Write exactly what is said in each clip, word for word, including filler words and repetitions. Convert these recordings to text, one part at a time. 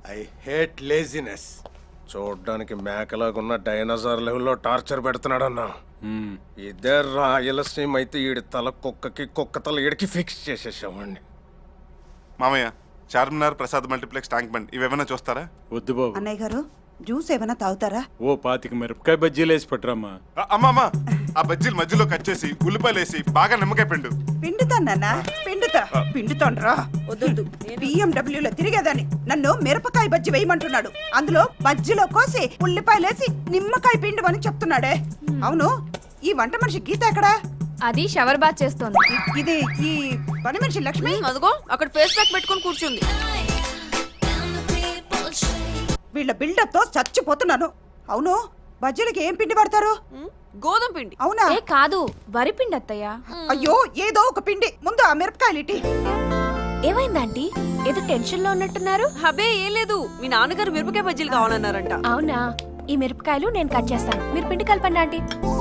I hate laziness. చూడ్డానికి మేకలాగున్న dinosaur లెవెల్లో torture పెడుతున్నాడన్నా. ఇదే రాయలసీమ అయితే ఈడి తల కుక్కకి కుక్క తల ఈడికి ఫిక్స్ చేసేసామండి. మామయ్య, చార్మినార్, ప్రసాద్ మల్టీప్లెక్స్, ట్యాంక్ బండ్ ఇవేమైనా చూస్తారా? వద్దు బాబు. అన్నయ్య గారు జ్యూస్ ఏమైనా తాగుతారా? ఓ పాతిక మిరపకాయ బజ్జీలు వేసి పట్టురామ్మా. అమ్మా ఆ బజ్జీలు మధ్యలో కట్ చేసి ఉల్లిపాయలు వేసి బాగా నిమ్మకాయ పిండు. పిండుతానన్నా పిండుతా పిండుతాండ్రా. వద్దు బిఎండబ్ల్యూలో తిరిగేదాన్ని నన్ను మిరపకాయ బజ్జి వేయమంటున్నాడు. అందులో బజ్జిలో కోసి ఉల్లిపాయలేసి నిమ్మకాయ పిండు అని చెప్తున్నాడే. అవును, ఈ వంట మనిషి గీత ఎక్కడా? అది షవర్ బాత్ చేస్తోంది. ఇది ఈ పని మనిషి లక్ష్మి అదిగో అక్కడ ఫేస్ ప్యాక్ పెట్టుకొని కూర్చుంది. వీళ్ళ బిల్డప్ తో చచ్చిపోతున్నాను. అవును, బజ్జీలకి ఏం పిండి పడతారు? గోధుమ పిండి. అవునా? ఏ కాదు, వరి పిండి అత్తయ్య. అయ్యో, ఏదో ఒక పిండి. ముందు ఆ మిరపకాయలు ఇటీ. ఏమైందంటీ? ఏదో టెన్షన్ లో ఉన్నట్టున్నారు. హబే ఏం లేదు, మీ నాన్నగారు మిరపకాయ బజ్జీలు కావాలన్నారంట. అవునా? ఈ మిరపకాయలు నేను కట్ చేస్తాను, మీరు పిండి కలపండి ఆంటీ.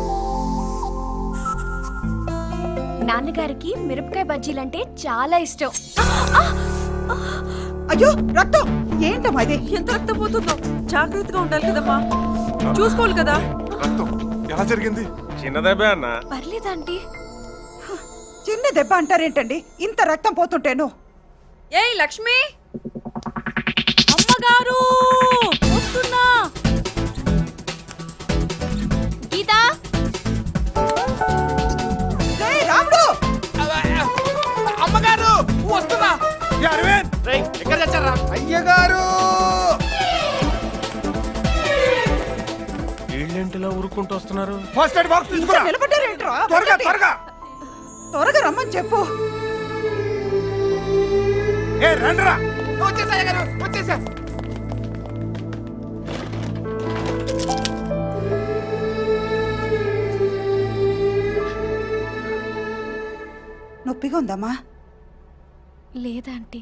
నాన్నగారికి మిరపకాయ బజ్జీలంటే చాలా ఇష్టం. అయ్యో రక్తం! ఏంటమ్మా ఇది? ఎంత రక్తం పోతుందో, జాగ్రత్తగా ఉండాలి కదమ్మా, చూసుకోవాలి కదా. రక్తం ఎలా జరిగింది? చిన్నదేబే అన్న. పర్లేదంటీ. చిన్న దెబ్బ అంటారేంటండి? ఇంత రక్తం పోతుంటేను. ఏయ్ లక్ష్మి, అమ్మగారు వస్తున్నా. గీతా, రేయ్ రాముడు! అమ్మగారు వస్తున్నా. ఎక్కడ చచ్చారా? అయ్యగారు వీళ్ళేంటిలా ఊరుకుంటూ వస్తున్నారు? ఫస్ట్ ఎయిడ్ బాక్స్ ఇంకా నిలబడ్డారేంట్రా? త్వరగా త్వరగా త్వరగా రమ్మని చెప్పు. ఏ రండిరా. వచ్చేసా అయ్యగారు, వచ్చేసా. నొప్పిగా ఉందమ్మా? లేదాంటీ.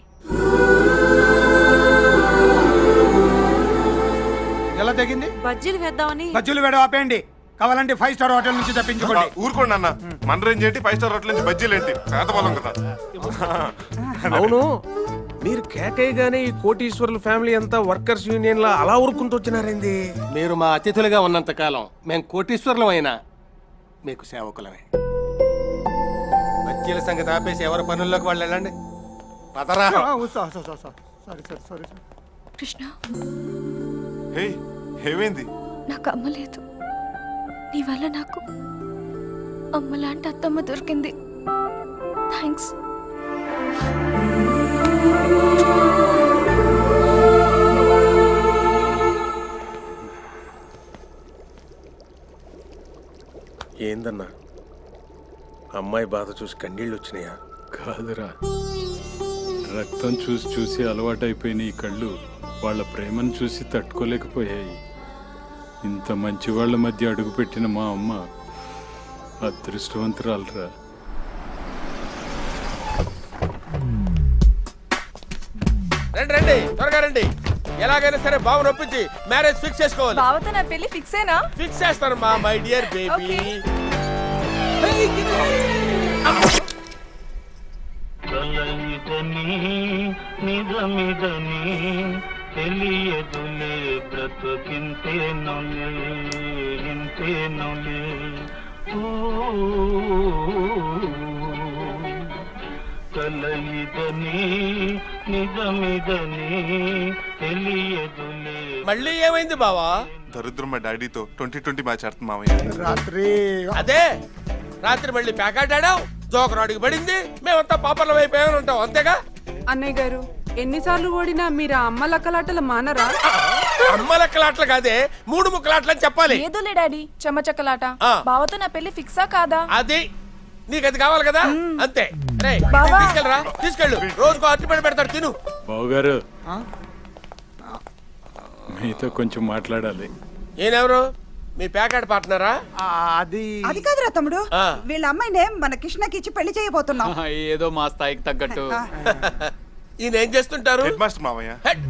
ఎలా తగ్గింది? బజ్జీలు వేద్దామని. బజ్జీలు వేడ ఆపేయండి. కావాలంటే ఫైవ్ స్టార్ హోటల్ నుంచి తప్పించుకోండి. ఊరుకోండి అన్న, మన రేంజ్ ఏంటి, ఫైవ్ స్టార్ హోటల్ నుంచి బజ్జీలు ఏంటి, పేదవాళ్ళం కదా. అవును, మీరు కేకయ్యగానే ఈ కోటీశ్వరుల ఫ్యామిలీ అంతా వర్కర్స్ యూనియన్ లా అలా ఊరుకుంటూ వచ్చినారేంది? మీరు మా అతిథులుగా ఉన్నంత కాలం మేము కోటీశ్వరులం అయినా మీకు సేవకులమే. బజ్జీల సంగతి ఆపేసి ఎవరి పనుల్లోకి వాళ్ళు వెళ్ళండి. పదరా. కృష్ణ, హే, ఏమైంది? నాకు అమ్మ లేదు. నీ వల్ల నాకు అమ్మ లాంటి అత్తమ్మ దొరికింది. థ్యాంక్స్. ఏందన్నా, అమ్మాయి బాధ చూసి కన్నీళ్ళు వచ్చినాయా? కాదురా, రక్తం చూసి చూసి అలవాటైపోయిన ఈ కళ్ళు వాళ్ళ ప్రేమను చూసి తట్టుకోలేకపోయాయి. ఇంత మంచి వాళ్ళ మధ్య అడుగుపెట్టిన మా అమ్మ అదృష్టవంతురాలరా. రండి రండి, త్వరగా రండి. ఎలాగైనా సరే బాబు నొప్పించి మ్యారేజ్ ఫిక్స్ చేసుకోవాలి. బావతో నా పెళ్లి ఫిక్స్ అయినా? ఫిక్స్ చేస్తాను మా మై డియర్ బేబీ. కలయిదని నిజమిదని తెలియదులే బ్రతుకింతేనులే ఇంతేనులే. కలయిదని నిజమిదని తెలియదులే. మళ్ళీ ఏమైంది బావా? దరిద్రం మా డాడీతో ట్వంటీ ట్వంటీ మ్యాచ్ ఆడుతుంది మామయ్య. రాత్రి అదే రాత్రి మళ్ళీ ప్యాకెట్ ఆడావు, జోకర్ అడిగి పడింది, మేమంతా పాపర్లం అయిపోయామని ఉంటాం, అంతేగా? అన్నయ్య గారు, ఎన్నిసార్లు ఓడినా మీరు ఆ అమ్మ లక్కలాటలు మానరా? అమ్మ లెక్కలాట్లు కాదే, మూడు ముక్కలాట్లు అని చెప్పాలి. ఏదోలే డాడీ, చెమ్మచక్కలాట. ఆ. బావతో నా పెళ్లి ఫిక్సా కాదా? అది నీకు అది కావాలి కదా, అంతే. రే తీసుకెళ్ళరా, తీసుకెళ్ళు. రోజుకో అరటిపండు పెడతాడు, తిను. బావగారు, మీతో కొంచెం మాట్లాడాలి. ఈయనెవరు? మీ ప్యాకెట్ పార్ట్నరా? అది అది కాదురా తమ్ముడు, ఆ. వీళ్ళ అమ్మాయినే మన కృష్ణకి ఇచ్చి పెళ్లి చేయబోతున్నాం. ఏదో మా స్థాయికి తగ్గట్టు. ఈయన ఏం చేస్తుంటారు? హెడ్ మాస్టర్ మామయ్య. హెడ్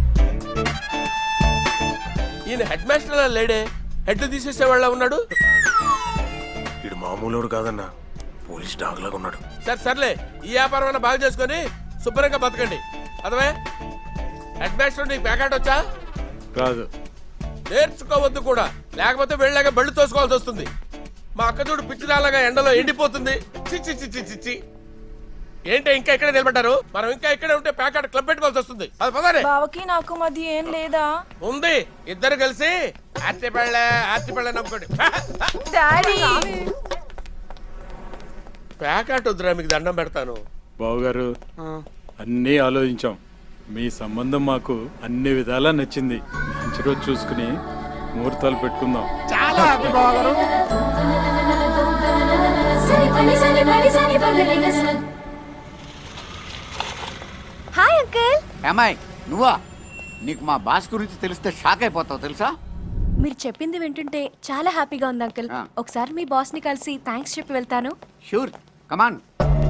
ఈయన హెడ్ మాస్టర్ లేడే, హెడ్ తీసేసేవాళ్ళ ఉన్నాడు. ఇడు మామూలుడు కాదన్నా, పోలీస్ డాగ్ లాగా ఉన్నాడు. సరే సర్లే, ఈ వ్యాపారం బాగా చేసుకొని శుభ్రంగా బతకండి. అదవే హెడ్ మాస్టర్ నీకు ప్యాకెట్ వచ్చా? కాదు. నేర్చుకోవద్దు కూడా, లేకపోతే వెళ్ళాక బళ్ళు తోసుకోవాల్సి వస్తుంది. మా అక్క చూడు పిచ్చిదాలాగా ఎండలో ఎండిపోతుంది. చిచ్చి చిచ్చి చిచ్చి ఏంటి ఇంకా ఇక్కడే నిలబడ్డారు? మనం ఇంకా ఇక్కడే ఉంటే ప్యాకెట్ క్లబ్ పెట్టుకోవాల్సి వస్తుంది. అది పదరే. బావకి నాకు మధ్య ఏం లేదా ఉంది, ఇద్దరు కలిసి ఆర్తి పళ్ళ ఆర్తి పళ్ళ నమ్ముకోండి. డాడీ ప్యాకెట్ వద్దురా, మీకు దండం పెడతాను. బావగారు అన్నీ ఆలోచించాం. మీ సంబంధం మాకు అన్ని విధాలా నచ్చింది. మంచి రోజు చూసుకుని ముహూర్తాలు పెట్టుకుందాం. చాలా హ్యాపీ బావగారు. Hi uncle. ఏమాయ్ నువ్వా? నీకు మా బాస్ గురించి తెలిస్తే షాక్ అయిపోతావు తెలుసా? మీరు చెప్పింది వింటుంటే చాలా హ్యాపీగా ఉంది అంకుల్. ఆ. ఒకసారి మీ బాస్ ని కలిసి థ్యాంక్స్ చెప్పి వెళ్తాను. Sure, come on.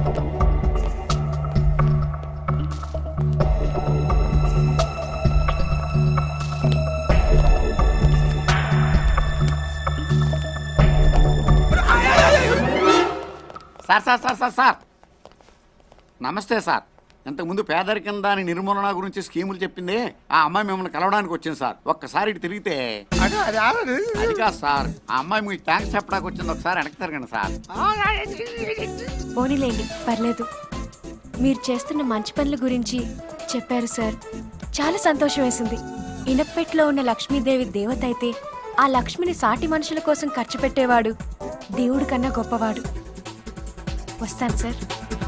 Sir sir sir sir sir నమస్తే సార్. ఇంతకుముందు పేదరికం దాని నిర్మూలన గురించి స్కీములు చెప్పింది ఆ అమ్మాయి మిమ్మల్ని కలవడానికి వచ్చింది సార్. ఒక్కసారి ఇటు తిరిగితే అది కాదు సార్, ఆ అమ్మాయి మీకు థ్యాంక్స్ చెప్పడానికి వచ్చింది. ఒకసారి వెనక్కి తిరగండి సార్. పోనీలేండి, పర్లేదు. మీరు చేస్తున్న మంచి పనుల గురించి చెప్పారు సార్. చాలా సంతోషం వేసింది. ఇనప్పెట్లో ఉన్న లక్ష్మీదేవి దేవత అయితే ఆ లక్ష్మిని సాటి మనుషుల కోసం ఖర్చు పెట్టేవాడు దేవుడి కన్నా గొప్పవాడు. వస్తాను సార్.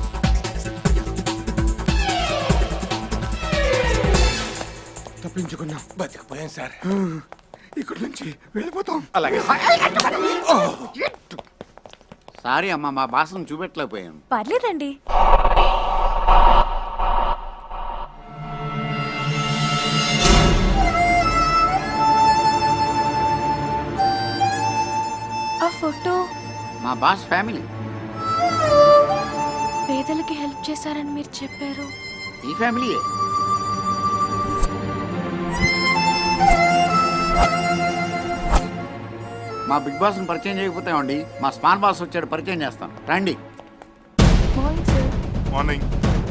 తప్పించుకున్నాం, బతికిపోయాం సార్. ఇక్కడ నుంచి వెళ్ళిపోతాం. అలాగే సారీ అమ్మా, మా భాషను చూపెట్టలేకపోయాను. పర్లేదండి. ఆ ఫోటో మా బాస్ ఫ్యామిలీ. పేదలకి హెల్ప్ చేశారని మీరు చెప్పారు. ఈ ఫ్యామిలీయే. మా బిగ్ బాస్ని పరిచయం చేయకపోతామండి, మా స్మాల్ బాస్ వచ్చాడు, పరిచయం చేస్తాం రండి. Morning sir. మార్నింగ్.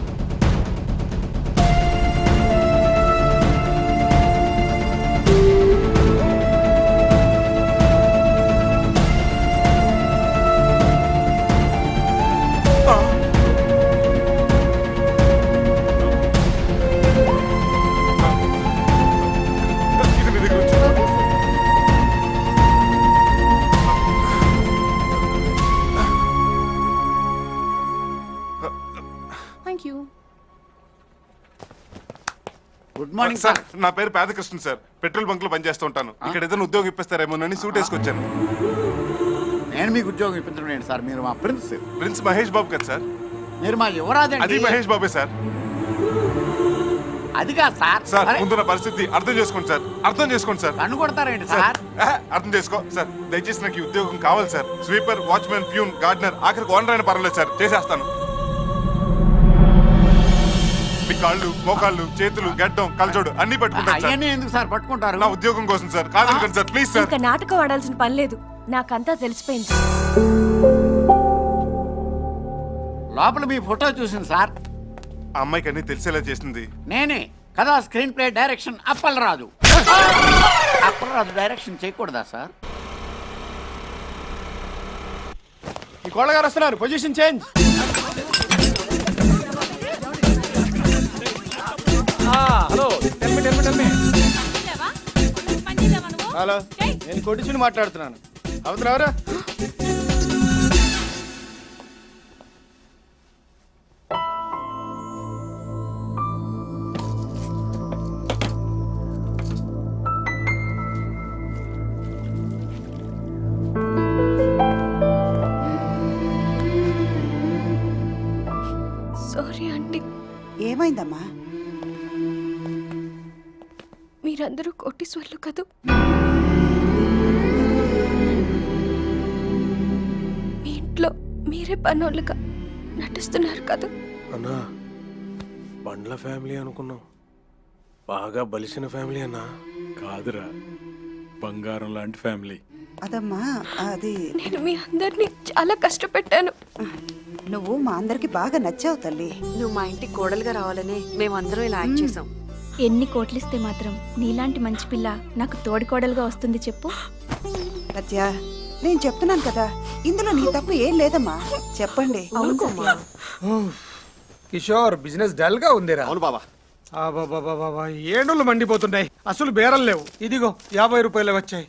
ఇది మీ దగ్గర ఉంచు. Thank you. Good morning sir, sir. నా పేరు పేదకృష్ణ సార్. పెట్రోల్ బంక్ లో పనిచేస్తూ ఉంటాను. ఇక్కడ ఏదైనా ఉద్యోగం ఇప్పిస్తారేమోనని సూట్ వేసుకొచ్చాను. నేను మీకు ఉద్యోగం ఇప్పించడం ఏంటి సార్? మీరు మా ప్రిన్స్. ప్రిన్స్ మహేష్ బాబు కదా సార్? మీరు మా యువరాజు అది అండి. మహేష్ బాబే సార్. అది కాదు సార్. సార్ అరే, ముందున్న పరిస్థితి అర్థం చేసుకోండి సార్. అర్థం చేసుకోండి సార్. కన్ను కొడతారేంటి సార్ సార్? ఆహా, అర్థం చేసుకో సార్. దయచేసి నాకు ఈ ఉద్యోగం కావాలి sir. Sweeper, watchman, peon, gardener, ఆఖరికి ఓనర్ అయినా పర్వాలేదు సార్, చేసేస్తాను. మీ కాళ్ళు, మోకాళ్ళు, చేతులు, గడ్డం, కలజోడు అన్ని పట్టుకుంటాను సార్. అవన్నీ ఎందుకు సార్ పట్టుకుంటారు? నా ఉద్యోగం కోసం సార్. కాదనుకోండి సార్, ప్లీజ్ సార్. ఇంకా నాటకం ఆడాల్సిన పని లేదు. నాకంతా తెలిసిపోయింది. లోపల మీ ఫోటో చూసింది సార్. ఆ అమ్మాయికి అన్ని తెలిసేలా చేసింది నేనే కదా. Screen play direction Appalaraju. Appalaraju direction చేయకూడదా సార్? ఈ కోళ్ళగారు వస్తున్నారు, పొజిషన్ చేంజ్. హలో హలో, నేను కొట్టించుని మాట్లాడుతున్నాను. అవుతున్నావరా? Sorry aunty. ఏమైందమ్మా? మీరందరూ కోటీశ్వర్లు కదూ. మీ ఇంట్లో మీరే పనోళ్ళుగా నటిస్తున్నారు కదా. అన్నా, బండ్ల ఫ్యామిలీ అనుకున్నాం, బాగా బలిసిన ఫ్యామిలీ అన్నా. కాదురా, బంగారం లాంటి ఫ్యామిలీ. అదమ్మా, అది నేను మీ అందరినీ చాలా కష్టపెట్టాను. నువ్వు మా అందరికి బాగా నచ్చావు తల్లి. నువ్వు మా ఇంటికి కోడలుగా రావాలని మేమందరం ఇలా యాక్ట్ చేసాం. ఎన్ని కోట్లిస్తే మాత్రం నీలాంటి మంచి పిల్ల నాకు తోడికోడలుగా వస్తుంది చెప్పు. సత్య నేను చెప్తున్నాను కదా, ఇందులో నీ తప్పు ఏం లేదమ్మా. చెప్పండి. అవును సత్య. కిషోర్ బిజినెస్ డల్ గా ఉందిరా. అవును బాబా. బాబా ఏడులు మండిపోతున్నాయి, అసలు బేరం లేవు. ఇదిగో యాభై రూపాయలు వచ్చాయి.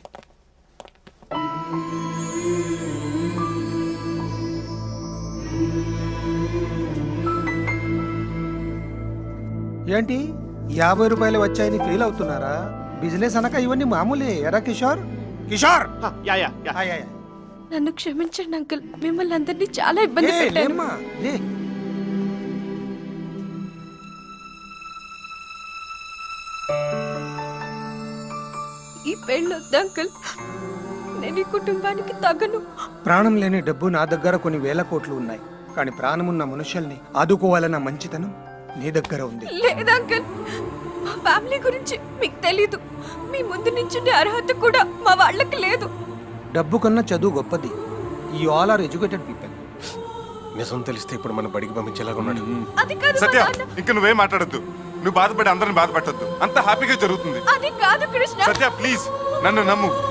ఏంటి యాభై రూపాయలు వచ్చాయని ఫీల్ అవుతున్నారా? బిజినెస్ అనక ఇవన్నీ మామూలే ఎరా Kishore. Kishore yeah yeah yeah. ఆయ్, ఆయ్, ఆయ్. నన్ను క్షమించండి అంకుల్, మిమ్మల్ని అందరినీ చాలా ఇబ్బంది ఏ, పెట్టాను. లేమ్మా, లే. ఈ పెళ్ళి వద్దు అంకుల్, నేను ఈ కుటుంబానికి తగను. ప్రాణం లేని డబ్బు నా దగ్గర కొన్ని వేల కోట్లు ఉన్నాయి, కానీ ప్రాణమున్న మనుషుల్ని ఆదుకోవాలన్న మంచితనం నీ దగ్గర ఉంది. లేదు అంకుల్, మా ఫ్యామిలీ గురించి మీకు తెలీదు. మీ ముందు నించుండే అర్హత కూడా మా వాళ్ళకి లేదు. డబ్బు కన్నా చదువు గొప్పది. You all are educated people. నిజం తెలిస్తే ఇప్పుడు మన బడికి పంపించేలాగా ఉన్నాడు. అది కాదు మా సత్య నాన్న. ఇంకా నువ్వేం మాట్లాడొద్దు. నువ్వు బాధపడి అందరిని బాధపెట్టద్దు. అంతా హ్యాపీగా జరుగుతుంది. అది కాదు కృష్ణ. సత్య ప్లీజ్ నన్ను నమ్ము.